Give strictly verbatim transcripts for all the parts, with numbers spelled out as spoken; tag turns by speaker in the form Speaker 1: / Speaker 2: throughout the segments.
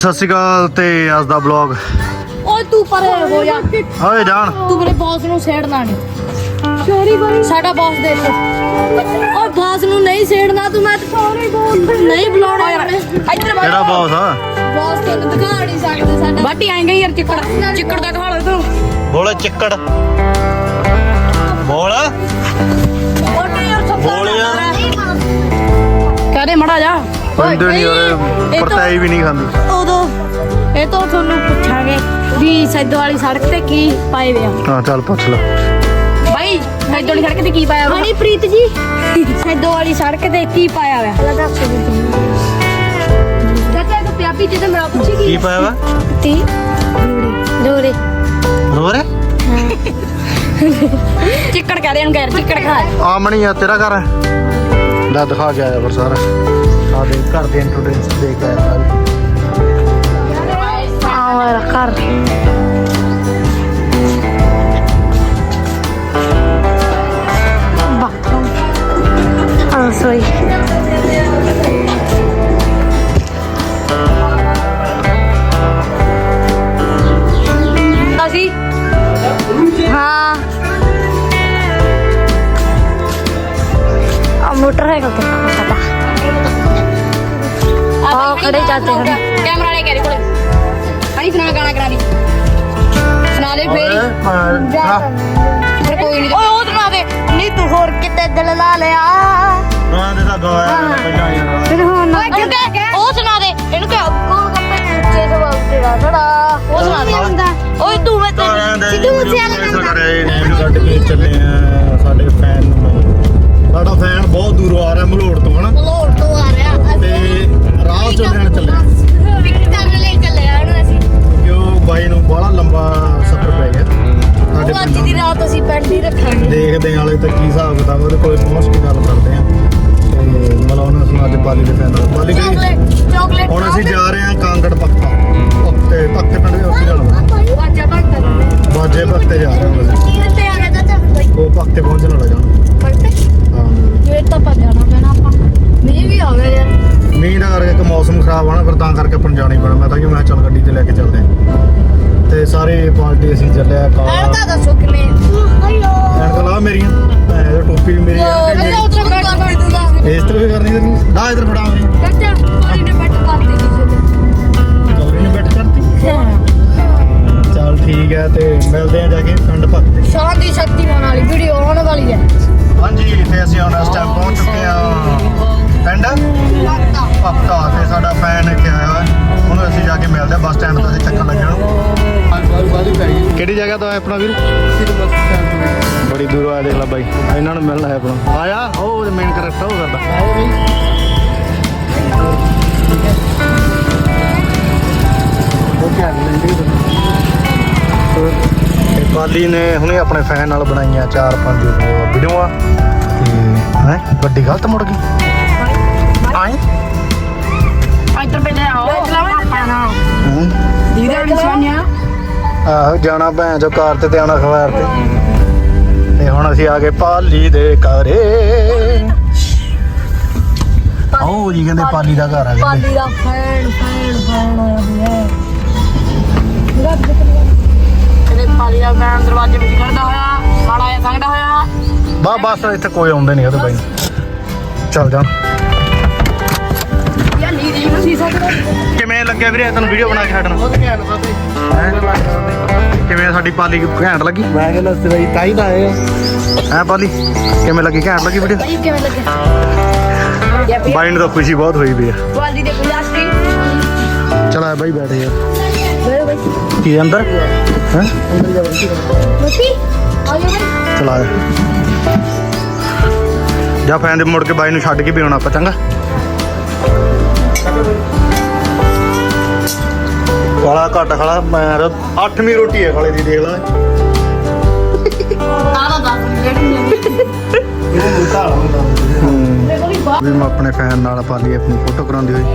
Speaker 1: ਸਤਿ ਸ਼੍ਰੀ ਅਕਾਲ ਤੇ ਅੱਜ ਦਾ ਵਲੌਗ।
Speaker 2: ਓਏ ਤੂੰ ਪਰੇ ਹੋ ਜਾ।
Speaker 1: ਓਏ ਜਾਣ
Speaker 2: ਤੂੰ ਮੇਰੇ ਬੌਸ ਨੂੰ ਛੇੜਨਾ ਨਹੀਂ। ਸੌਰੀ ਬਾਈ ਸਾਡਾ ਬੌਸ ਦੇਖੋ। ਓਏ ਬੌਸ ਨੂੰ ਨਹੀਂ ਛੇੜਨਾ ਤੂੰ। ਮੈਂ ਸੌਰੀ ਬੌਸ ਨਹੀਂ ਬੁਲਾਉਣਾ ਯਾਰ। ਇੱਧਰ ਬੈਠ।
Speaker 1: ਕਿਹੜਾ ਬੌਸ ਆ?
Speaker 2: ਬੌਸ ਤੈਨੂੰ ਦਿਖਾ ਨਹੀਂ ਸਕਦੇ ਸਾਡਾ। ਬਾਟੀ ਆਏਗਾ ਯਾਰ ਚਿੱਕੜ ਚਿੱਕੜ ਦਾ ਦਿਖਾ ਲੈ ਤੂੰ।
Speaker 1: ਬੋਲ ਚਿੱਕੜ ਬੋਲ
Speaker 2: ਬਾਟੀ ਯਾਰ ਸਭ
Speaker 1: ਬੋਲ ਯਾਰ।
Speaker 2: ਕਹਦੇ ਮੜਾ ਜਾ।
Speaker 1: ਬੰਦੇ ਨਹੀਂ ਓਏ ਪਰਤਾਈ ਵੀ ਨਹੀਂ ਖਾਂਦੀ।
Speaker 2: ਉਦੋਂ ਇਹ ਤੋਂ ਤੁਹਾਨੂੰ ਪੁੱਛਾਂਗੇ ਵੀ ਸੈਦੋ ਵਾਲੀ ਸੜਕ ਤੇ ਕੀ ਪਾਏ ਵੇ ਆ।
Speaker 1: ਹਾਂ ਚੱਲ ਪੁੱਛ ਲੈ
Speaker 2: ਬਾਈ ਸੈਦੋ ਵਾਲੀ ਸੜਕ ਤੇ ਕੀ ਪਾਇਆ ਵਾ? ਹਨੀਪ੍ਰੀਤ ਜੀ ਸੈਦੋ ਵਾਲੀ ਸੜਕ ਤੇ ਕੀ ਪਾਇਆ ਵਾ? ਚਾਚਾ ਕੋ ਪਿਆਪੀ ਜਿਹਦੇ ਮੇਰਾ ਪੁੱਛੀ
Speaker 1: ਕੀ ਪਾਇਆ ਵਾ?
Speaker 2: ਤੀ ਦੋਰੇ
Speaker 1: ਰੋਰੇ
Speaker 2: ਚਿੱਕੜ ਕਹਿ ਰਹੇ ਨੂੰ ਗੈਰ ਚਿੱਕੜ ਖਾ।
Speaker 1: ਆਮਣੀ ਆ ਤੇਰਾ ਘਰ ਲੈ ਦਿਖਾ ਕੇ ਆਇਆ ਫਿਰ ਸਾਰਾ ਸਾਡੇ ਘਰ ਦੇ ਇੰਟਰੋਡਕਸ਼ਨ ਦੇ ਕੇ ਆਇਆ
Speaker 2: ਆਵਰ ਕਰ ਬਾਥਰੂਮ ਆ ਸੋਈ ਅਸੀਂ ਹਾਂ ਆ ਮੋਟਰਸਾਈਕਲ ਤੇ ਪਤਾ ਆ ਖੜੇ ਚਾਚੇ ਹਨ ਕੈਮਰਾ ਲੈ ਕੇ ਕੋਲੇ ਆਈ ਸੁਣਾ ਗਾਣਾ ਕਰਾ ਦੀ ਸੁਣਾ ਦੇ ਫੇਰ ਫਿਰ ਕੋਈ ਨਹੀਂ ਓਏ ਉਹ ਸੁਣਾ ਦੇ ਨਹੀਂ ਤੂੰ ਹੋਰ ਕਿਤੇ ਦਿਲ ਲਾ ਲਿਆ
Speaker 1: ਰਾਂ ਦੇ ਤਾਂ ਗਾਇਆ ਪਹਿਲਾਂ ਯਾਰ
Speaker 2: ਫਿਰ ਹੁਣ ਉਹ ਸੁਣਾ ਦੇ ਇਹਨੂੰ ਕਿ ਉਹ ਕੱਪੜੇ ਉੱਚੇ ਸਵਾ ਤੇਰਾ ਥੜਾ ਉਹ ਸੁਣਾ ਦੇ ਓਏ ਤੂੰ ਮੈਂ ਸਿੱਧੂ ਮੂਸੇਵਾਲਾ
Speaker 1: ਇਹਨੂੰ ਕੱਢ ਕੇ ਚੱਲੇ ਆ ਸਾਡੇ ਫੈਨ ਨੂੰ। ਸਾਡਾ ਫੈਨ ਬਹੁਤ ਦੂਰੋਂ ਆ ਰਿਹਾ ਮਲੋੜ ਤੋਂ ਹਨਾ
Speaker 2: ਲੋੜ ਤੋਂ ਆ ਰਿਹਾ
Speaker 1: ਤੇ ਰਾਹ ਚੋਂ ਲੈਣ ਚੱਲੇ
Speaker 2: ਵਿਕਟ ਕਰਨ ਲਈ ਚੱਲੇ ਆ ਇਹਨੂੰ ਅਸੀਂ
Speaker 1: ਕਿਉਂ ਬਾਈ ਨੂੰ ਬੜਾ ਲੰਬਾ ਸਫ਼ਰ ਪੈ ਗਿਆ ਸਾਡੇ
Speaker 2: ਉਹ ਅੱਜ ਦੀ ਰਾਤ ਅਸੀਂ ਪਿੰਡ ਹੀ ਰੱਖਾਂਗੇ।
Speaker 1: ਦੇਖਦੇ ਹਾਂ ਹਾਲੇ ਤੱਕ ਕੀ ਹਿਸਾਬ ਕਿਤਾਬ ਉਹਦੇ ਕੋਲ ਪਹੁੰਚ ਕੇ ਗੱਲ ਕਰਦੇ ਆ ਤੇ ਮਲਾਉਣਾ ਸੁਣਾ ਅੱਜ ਬਾਲੀ ਦੇ ਫੈਨ ਨਾਲ ਬਾਲੀ ਗਈ
Speaker 2: ਚਾਕਲੇਟ ਚਾਕਲੇਟ
Speaker 1: ਹੁਣ ਅਸੀਂ ਜਾ ਰਹੇ ਹਾਂ ਕਾਂਗੜ ਪੱਕਾ ਪੱਤੇ ਪੱਕੇ ਪਿੰਡ ਦੇ ਉੱਤੇ ਜਾਣਾ
Speaker 2: ਵਾਜਾ ਭਗਤ
Speaker 1: ਬਾਜੇ ਪੱਤੇ ਜਾ ਰਹੇ ਹਾਂ ਅਸੀਂ
Speaker 2: ਕੀ ਤੇ ਆ ਗਿਆ ਚਾਚਾ
Speaker 1: ਉਹ ਪੱਤੇ ਪਹੁੰਚਣ ਵਾਲਾ ਜਾਣਾ
Speaker 2: ਪੜਤੇ
Speaker 1: ਹਾਂ
Speaker 2: ਜੇ ਤਾਂ ਪਾ ਜਾਣਾ ਪੈਣਾ ਆਪਾਂ ਮੀਂਹ ਵੀ ਆ ਗਿਆ ਯਾਰ
Speaker 1: ਮੀਂਹ ਦਾ ਕਰਕੇ ਕਿ ਮੌਸਮ ਖਰਾਬ ਆ ਨਾ ਫਿਰ ਤਾਂ ਕਰਕੇ ਆਪਾਂ ਨੂੰ ਜਾਣਾ ਹੀ ਪੈਣਾ। ਮੈਂ ਤਾਂ ਕਿ ਮੈਂ ਕਿਹਾ ਚੱਲ ਗੱਡੀ ਤੇ ਲੈ ਕੇ ਚੱਲਦੇ ਹਾਂ ਤੇ ਸਾਰੇ ਪਾਰਟੀ ਅਸੀਂ ਚੱਲਿਆ
Speaker 2: ਐਨ
Speaker 1: ਕਾਰ
Speaker 2: ਤਾਂ ਦੱਸੋ ਕਿਵੇਂ ਹੈਲੋ
Speaker 1: ਐਨਕ ਲਾ ਮੇਰੀਆਂ ਇਹ ਟੋਪੀ ਵੀ ਮੇਰੀ
Speaker 2: ਚਾਚਾ ਉੱਧਰ ਬੈਠ ਕਰ ਦੂੰਗਾ
Speaker 1: ਇਸ ਤਰ੍ਹਾਂ ਵੀ ਕਰਨੀ ਤੈਨੂੰ ਦਾ ਇਧਰ ਫੜਾ ਮੇਰੀ
Speaker 2: ਚਾਚਾ ਕੋਈ ਨੇ ਬੈਠ ਕਰ ਦੇ ਕਿਸੇ
Speaker 1: ਚੌਰੀ ਨੂੰ ਬੈਠ ਕਰਤੀ
Speaker 2: ਨੇ
Speaker 1: ਚੱਲ ਠੀਕ ਹੈ ਤੇ ਮਿਲਦੇ ਆ ਜਾ ਕੇ ਪਿੰਡ ਪੱਤੇ।
Speaker 2: ਸ਼ਾਨ ਦੀ ਸ਼ਕਤੀਮਾਨ ਵਾਲੀ ਵੀਡੀਓ ਆਉਣ ਵਾਲੀ ਹੈ।
Speaker 1: ਹਾਂਜੀ ਤੇ ਅਸੀਂ ਹੁਣ ਇਸ ਟਾਈਮ ਪਹੁੰਚ ਚੁੱਕੇ ਹਾਂ ਪਿੰਡ ਪੱਤਾ ਤੇ ਸਾਡਾ ਫੈਨ ਇੱਥੇ ਆਇਆ ਹੋਇਆ ਉਹਨੂੰ ਅਸੀਂ ਜਾ ਕੇ ਮਿਲਦੇ ਹਾਂ ਬੱਸ ਸਟੈਂਡ ਤੋਂ। ਅਸੀਂ ਚੱਕਰ ਲੱਗਣ ਕਿਹੜੀ ਜਗ੍ਹਾ ਤੋਂ ਆਇਆ ਆਪਣਾ ਵੀਰ? ਬੜੀ ਦੂਰੋਂ ਆਇਆ ਦੇਖ ਲੈ ਬਾਈ ਇਹਨਾਂ ਨੂੰ ਮਿਲਣਾ ਹੈ ਆਪਣਾ ਆਇਆ ਉਹ ਮੇਨ ਕਰੈਕਟਰ ਉਹ ਸਾਡਾ ਤੇ ਬਾਲੀ ਨੇ ਹੁਣੇ ਆਪਣੇ ਫੈਨ ਨਾਲ ਬਣਾਈਆਂ ਚਾਰ ਪੰਜ ਵੀਡੀਓਆਂ ਤੇ ਹੈ ਗੱਡੀ ਗਲਤ ਮੁੜ ਗਈ ਆਏ
Speaker 2: ਇੱਧਰ ਬੈਠੇ ਆਓ ਆਪਾਂ ਨਾ
Speaker 1: ਹੂੰ
Speaker 2: ਦੀਦਾ ਨਿਸ਼ਾਨਿਆ
Speaker 1: ਆਹੋ ਜਾਣਾ ਭੈਣ ਜੋ ਕਾਰ ਤੇ ਤੇ ਆਉਣਾ ਖਵਾਰ ਤੇ ਤੇ ਹੁਣ ਅਸੀਂ ਆ ਗਏ ਪਾਲੀ ਦੇ ਘਰੇ। ਆਓ ਜੀ ਕਹਿੰਦੇ ਪਾਲੀ ਦਾ ਘਰ ਆ ਗਿਆ
Speaker 2: ਪਾਲੀ ਦਾ ਫੈਨ ਫੈਨ ਫੈਨ ਆਇਆ ਹੋਇਆ ਇਹਦੇ ਪਾਲੀ ਦਾ ਫੈਨ ਦਰਵਾਜ਼ੇ ਵਿੱਚ ਖੜਦਾ ਹੋਇਆ ਮਾੜਾ ਜਿਹਾ ਸੰਗਦਾ ਹੋਇਆ
Speaker 1: ਬਾ ਬਸ ਇੱਥੇ ਕੋਈ ਆਉਂਦੇ ਨਹੀਂ ਉਹਦੇ ਬਾਈ ਚੱਲ ਜਾ।
Speaker 2: ਯਾ ਨੀਰੀ ਨੂੰ ਸੀਸਾ
Speaker 1: ਕਿਵੇਂ ਲੱਗਿਆ ਵੀਰੇ ਤੈਨੂੰ ਵੀਡੀਓ ਬਣਾ ਕੇ ਛੱਡਣਾ? ਕਿਵੇਂ ਸਾਡੀ ਪਾਲੀ ਘੈਂਟ ਲੱਗੀ?
Speaker 3: ਮੈਂ ਕਹਿੰਦਾ ਸਰਾਈ ਤਾਈ ਦਾ ਆਏ
Speaker 1: ਹੈ ਪਾਲੀ ਕਿਵੇਂ ਲੱਗੀ? ਘੈਂਟ ਲੱਗੀ ਵੀਡੀਓ?
Speaker 2: ਬਾਈ ਕਿਵੇਂ ਲੱਗਿਆ ਯਾ ਵੀ
Speaker 1: ਬਾਈ ਨੂੰ ਤਾਂ ਖੁਸ਼ੀ ਬਹੁਤ ਹੋਈ ਵੀ ਆ।
Speaker 2: ਪਾਲੀ ਦੇ ਗੁਲਾਸਟੀ
Speaker 1: ਚਲ ਆ ਬਾਈ ਬੈਠ ਯਾਰ
Speaker 2: ਬੜੇ ਬਾਈ
Speaker 1: ਕੀ ਅੰਦਰ ਹੈ
Speaker 2: ਮਤੀ ਆ ਗਿਆ ਬਾਈ
Speaker 1: ਚਲਾ ਜਾ ਫੈਨ ਦੇ ਮੁੜ ਕੇ ਬਾਈ ਨੂੰ ਛੱਡ ਕੇ ਵੀ ਆਉਣਾ ਆਪਾਂ ਚੰਗਾ। ਕਾਲਾ ਘੱਟ ਖਾਲਾ ਮੈਂ ਅੱਠਵੀਂ ਰੋਟੀ ਹੈ ਖਾਲੇ ਦੀ ਦੇਖ ਲੈ
Speaker 2: ਆਹ ਦਾ
Speaker 1: ਵੀ ਮੈਂ ਆਪਣੇ ਫੈਨ ਨਾਲ ਪਾਲੀ ਆਪਣੀ ਫੋਟੋ ਕਰਾਉਂਦੀ ਹੋਈ।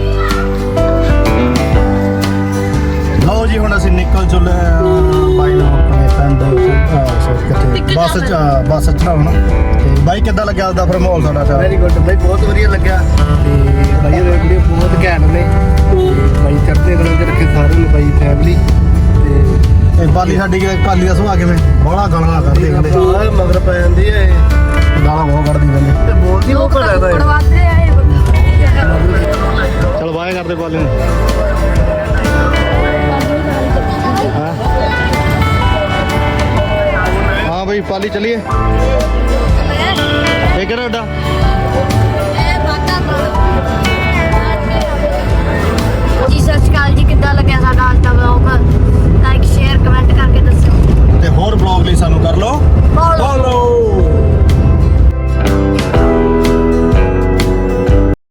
Speaker 1: ਲਓ ਜੀ ਹੁਣ ਅਸੀਂ ਨਿਕਲ ਚੁੱਲੇ ਹਾਂ ਬਾਈ ਨੂੰ ਆਪਣੇ ਐਂਡ ਕਿੱਥੇ ਬੱਸ ਚ ਬੱਸ ਚੜਾਉਣ ਤੇ ਬਾਈ ਕਿੱਦਾਂ ਲੱਗਿਆ ਉਹਦਾ ਫਿਰ ਮਾਹੌਲ ਸਾਡਾ ਤਾਂ
Speaker 3: ਵੈਰੀ ਗੁੱਡ ਬਾਈ ਬਹੁਤ ਵਧੀਆ ਲੱਗਿਆ ਤੇ ਬਾਈ ਦੇ ਵੀਡੀਓ ਬਹੁਤ ਘੈਂਟ ਨੇ ਤੇ ਬਾਈ ਚੜ੍ਹਦੇ ਕਲਾਂ ਚ ਰੱਖੇ ਸਾਰਿਆਂ ਨੂੰ ਬਾਈ ਫੈਮਿਲੀ ਤੇ
Speaker 1: ਇਹ ਪਾਲੀ ਸਾਡੀ ਕਿ ਪਾਲੀ ਦਾ ਸੁਭਾਅ ਕਿਵੇਂ ਬੜਾ ਗਾਲਾਂ ਕੱਢਦੇ ਕਹਿੰਦੇ
Speaker 3: ਆਹ ਮਗਰ ਪੈ ਜਾਂਦੀ ਹੈ ਇਹ
Speaker 1: ਗਾਲਾਂ ਬਹੁਤ ਕੱਢਦੀ ਕਹਿੰਦੇ
Speaker 3: ਤੇ ਬੋਲਦੀ ਉਹ ਘੜਾ ਦਾ
Speaker 2: ਕੜਵਾਤੇ ਆਏ
Speaker 1: ਚਲ ਬਾਏ ਕਰਦੇ ਪਾਲੀ ਨੂੰ ਹਾਂ ਹਾਂ ਬਈ ਪਾਲੀ ਚਲੀਏ ਇਹ ਕਿਹੜਾ ਅੱਡਾ
Speaker 2: ਜੀ ਸਤਿ ਸ਼੍ਰੀ ਅਕਾਲ ਜੀ, ਕਿੱਦਾਂ ਲੱਗਿਆ ਸਾਡਾ